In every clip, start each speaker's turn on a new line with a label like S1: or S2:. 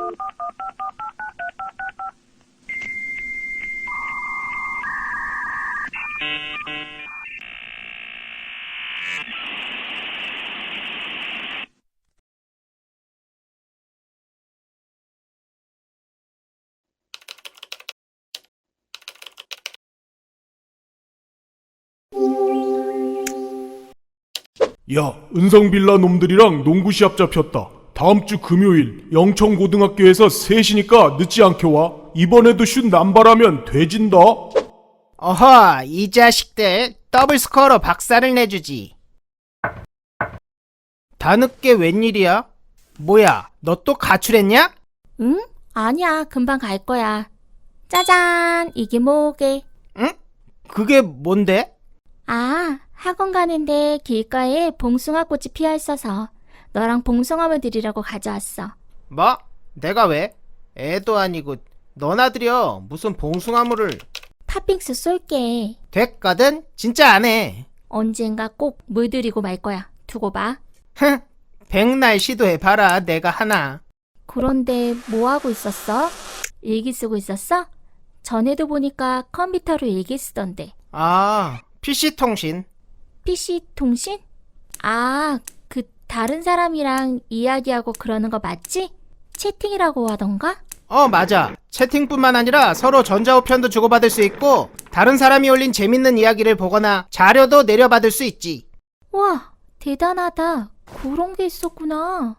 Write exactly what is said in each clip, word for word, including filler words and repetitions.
S1: 야, 은성빌라 놈들이랑 농구 시합 잡혔다. 다음 주 금요일 영천고등학교에서 셋이니까 늦지 않게 와. 이번에도 슛 남발하면 돼진다.
S2: 어허, 이 자식들 더블 스코어로 박살을 내주지. 다 늦게 웬일이야? 뭐야, 너 또 가출했냐?
S3: 응? 아니야, 금방 갈 거야. 짜잔, 이게 뭐게?
S2: 응? 그게 뭔데?
S3: 아, 학원 가는데 길가에 봉숭아 꽃이 피어 있어서 너랑 봉숭아물 드리려고 가져왔어.
S2: 뭐? 내가 왜? 애도 아니고 너나 드려. 무슨 봉숭아물을.
S3: 팥빙수 쏠게.
S2: 됐거든? 진짜 안 해.
S3: 언젠가 꼭 물 드리고 말 거야. 두고 봐.
S2: 흥, 백날 시도해봐라. 내가 하나.
S3: 그런데 뭐 하고 있었어? 일기 쓰고 있었어? 전에도 보니까 컴퓨터로 일기 쓰던데.
S2: 아, 피씨통신.
S3: 피씨 통신? 아, 그 다른 사람이랑 이야기하고 그러는 거 맞지? 채팅이라고 하던가?
S2: 어, 맞아. 채팅뿐만 아니라 서로 전자우편도 주고받을 수 있고 다른 사람이 올린 재밌는 이야기를 보거나 자료도 내려받을 수 있지.
S3: 와, 대단하다. 그런 게 있었구나.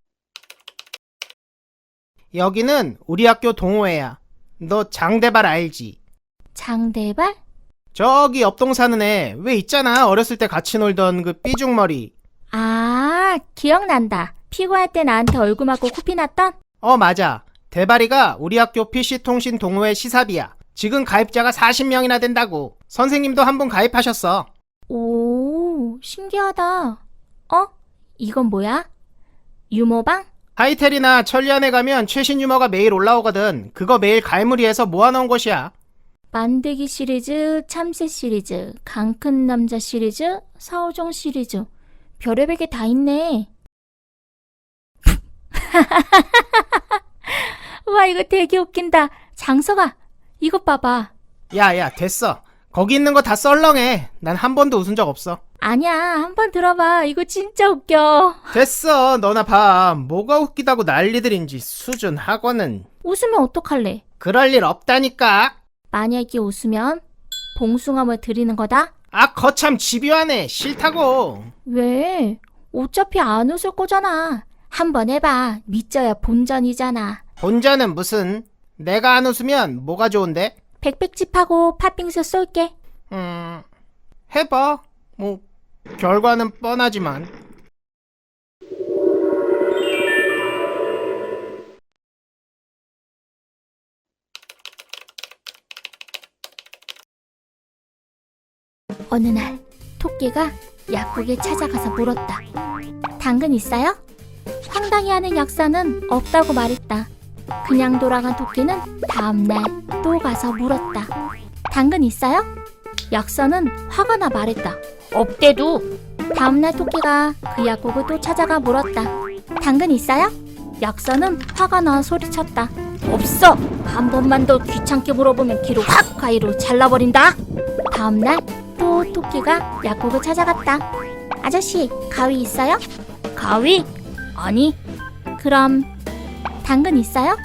S2: 여기는 우리 학교 동호회야. 너 장대발 알지?
S3: 장대발?
S2: 저기 옆동 사는 애 왜 있잖아. 어렸을 때 같이 놀던 그 삐죽머리.
S3: 아, 기억난다. 피고할 때 나한테 얼굴 맞고 코피 났던?
S2: 어, 맞아. 대발이가 우리 학교 피씨통신 동호회 시사비야. 지금 가입자가 사십 명이나 된다고. 선생님도 한 분 가입하셨어.
S3: 오, 신기하다. 어? 이건 뭐야? 유머방?
S2: 하이텔이나 천리안에 가면 최신 유머가 매일 올라오거든. 그거 매일 갈무리해서 모아놓은 곳이야.
S3: 만들기 시리즈, 참새 시리즈, 강큰 남자 시리즈, 사오정 시리즈. 별의별 게 다 있네. 와, 이거 되게 웃긴다. 장서가, 이것 봐봐.
S2: 야야, 됐어. 거기 있는 거 다 썰렁해. 난 한 번도 웃은 적 없어.
S3: 아니야, 한번 들어봐. 이거 진짜 웃겨.
S2: 됐어. 너나 봐. 뭐가 웃기다고 난리들인지. 수준 학원은.
S3: 웃으면 어떡할래?
S2: 그럴 일 없다니까.
S3: 만약에 웃으면 봉숭아물 드리는 거다?
S2: 아, 거참 집요하네. 싫다고.
S3: 왜? 어차피 안 웃을 거잖아. 한번 해봐. 믿져야 본전이잖아.
S2: 본전은 무슨. 내가 안 웃으면 뭐가 좋은데?
S3: 백백집하고 팥빙수 쏠게.
S2: 음... 해봐. 뭐 결과는 뻔하지만.
S3: 어느 날 토끼가 약국에 찾아가서 물었다. 당근 있어요? 황당해하는 약사는 없다고 말했다. 그냥 돌아간 토끼는 다음날 또 가서 물었다. 당근 있어요? 약사는 화가 나 말했다. 없대도. 다음날 토끼가 그 약국을 또 찾아가 물었다. 당근 있어요? 약사는 화가 나 소리쳤다. 없어. 한 번만 더 귀찮게 물어보면 귀로 확 가위로 잘라버린다. 다음날 또 토끼가 약국을 찾아갔다. 아저씨, 가위 있어요? 가위? 아니. 그럼 당근 있어요?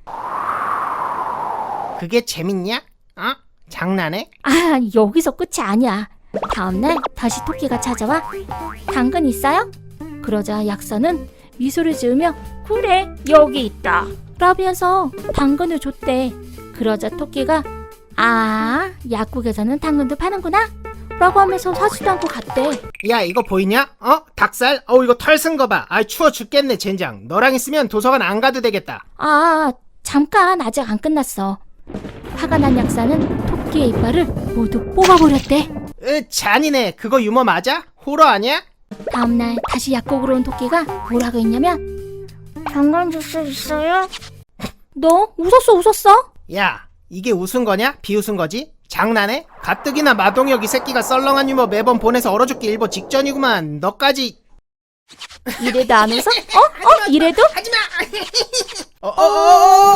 S2: 그게 재밌냐? 어? 장난해?
S3: 아, 여기서 끝이 아니야. 다음날 다시 토끼가 찾아와. 당근 있어요? 그러자 약사는 미소를 지으며 그래, 여기 있다 라면서 당근을 줬대. 그러자 토끼가 아, 약국에서는 당근도 파는구나 라고 하면서 사지도 않고 갔대.
S2: 야, 이거 보이냐? 어? 닭살? 어우, 이거 털 쓴 거 봐. 아이, 추워 죽겠네 젠장. 너랑 있으면 도서관 안 가도 되겠다.
S3: 아, 잠깐, 아직 안 끝났어. 화가 난 약사는 토끼의 이빨을 모두 뽑아버렸대.
S2: 으, 잔인해. 그거 유머 맞아? 호러 아니야?
S3: 다음날 다시 약국으로 온 토끼가 뭐라고 했냐면 당근 주스 있어요? 너 웃었어 웃었어?
S2: 야, 이게 웃은 거냐? 비웃은 거지? 장난해? 가뜩이나 마동혁 이 새끼가 썰렁한 유머 매번 보내서 얼어 죽기 일보 직전이구만. 너까지.
S3: 이래도 안 웃어? 어? 어? 이래도?
S2: 하지마. 어, 어, 어, 어!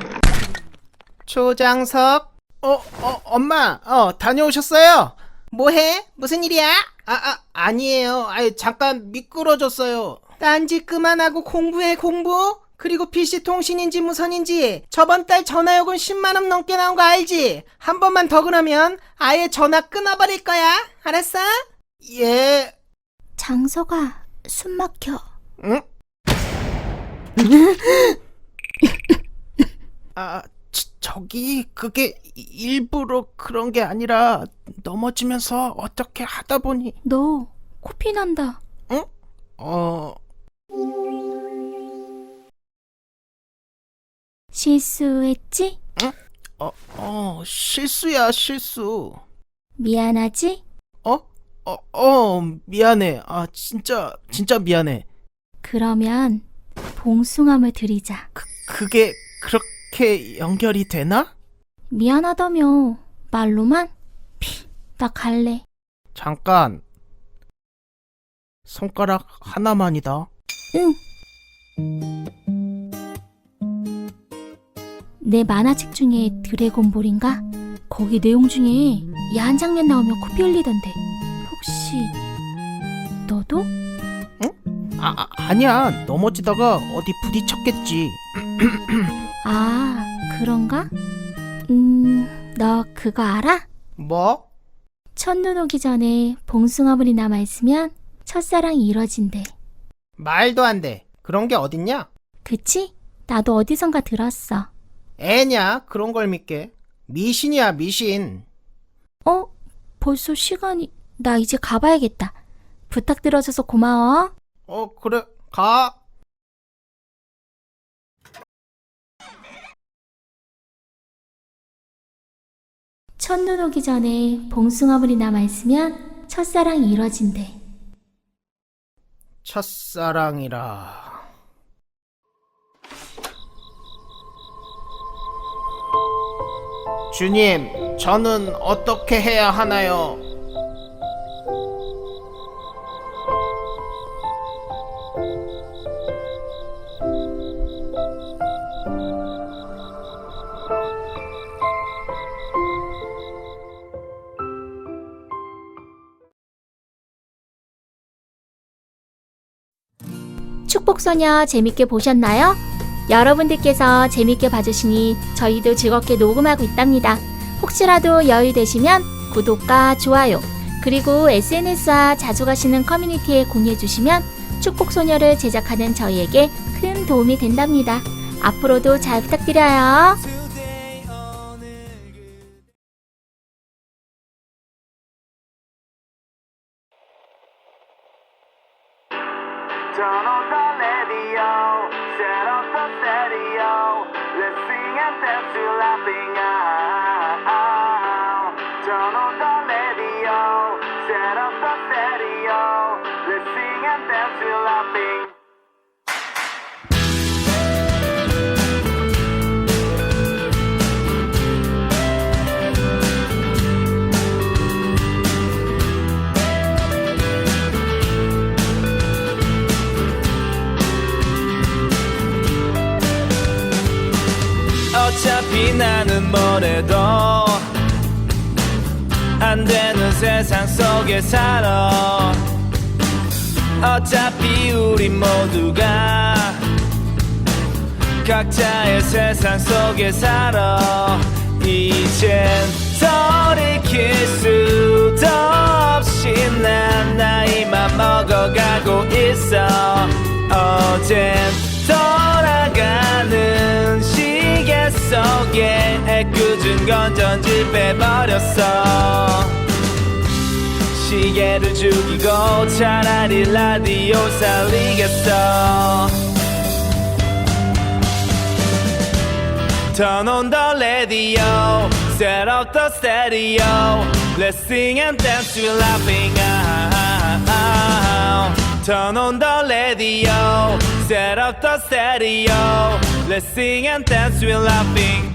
S2: 조장석. 어, 어, 엄마. 어, 다녀오셨어요? 뭐해? 무슨 일이야? 아, 아, 아니에요. 아이, 잠깐 미끄러졌어요. 딴짓 그만하고 공부해, 공부? 그리고 피씨 통신인지 무선인지 저번 달 전화요금 십만 원 넘게 나온 거 알지? 한 번만 더 그러면 아예 전화 끊어버릴 거야. 알았어? 예.
S3: 장서가 숨 막혀.
S2: 응? 아, 저, 저기 그게 일부러 그런 게 아니라 넘어지면서 어떻게 하다 보니.
S3: 너 코피 난다.
S2: 응? 어...
S3: 실수했지?
S2: 어, 어, 실수야, 실수.
S3: 미안하지?
S2: 어? 어, 어, 미안해. 아, 진짜, 진짜 미안해.
S3: 그러면 봉숭아물 드리자.
S2: 그, 그게 그렇게 연결이 되나?
S3: 미안하다며 말로만? 피, 나 갈래.
S2: 잠깐. 손가락 하나만이다.
S3: 응. 내 만화책 중에 드래곤볼인가? 거기 내용 중에 야한 장면 나오면 코피 흘리던데. 혹시 너도?
S2: 아, 아 아니야. 넘어지다가 어디 부딪혔겠지.
S3: 아, 그런가? 음, 너 그거 알아?
S2: 뭐?
S3: 첫눈 오기 전에 봉숭아물이 남아있으면 첫사랑이 이뤄진대.
S2: 말도 안 돼. 그런 게 어딨냐?
S3: 그치? 나도 어디선가 들었어.
S2: 애냐? 그런 걸 믿게. 미신이야, 미신.
S3: 어? 벌써 시간이... 나 이제 가봐야겠다. 부탁 들어줘서 고마워.
S2: 어, 그래. 가.
S3: 첫눈 오기 전에 봉숭아물이 남아있으면 첫사랑이 이뤄진대.
S2: 첫사랑이라. 주님, 저는 어떻게 해야 하나요?
S3: 축복소녀 재밌게 보셨나요? 여러분들께서 재밌게 봐주시니 저희도 즐겁게 녹음하고 있답니다. 혹시라도 여유 되시면 구독과 좋아요, 그리고 에스엔에스와 자주 가시는 커뮤니티에 공유해주시면 축복소녀를 제작하는 저희에게 큰 도움이 된답니다. 앞으로도 잘 부탁드려요.
S4: Turn on the radio, set off the stereo. Let's sing and dance to laughing out. Turn on the radio, set off the stereo. Let's sing and dance to laughing.
S5: 어차피 나는 뭐래도 안 되는 세상 속에 살아. 어차피 우리 모두가 각자의 세상 속에 살아. 이젠 돌이킬 수도 없이 난 나이만 먹어가고 있어. 어젠 돌아가는 시계 속에 애꿎은 건 전지 빼버렸어. 시계를 죽이고 차라리 라디오 살리겠어. Turn on the radio, set off the stereo. Let's sing and dance to laughing out. Turn on the radio, set off the stereo. Let's sing and dance to laughing.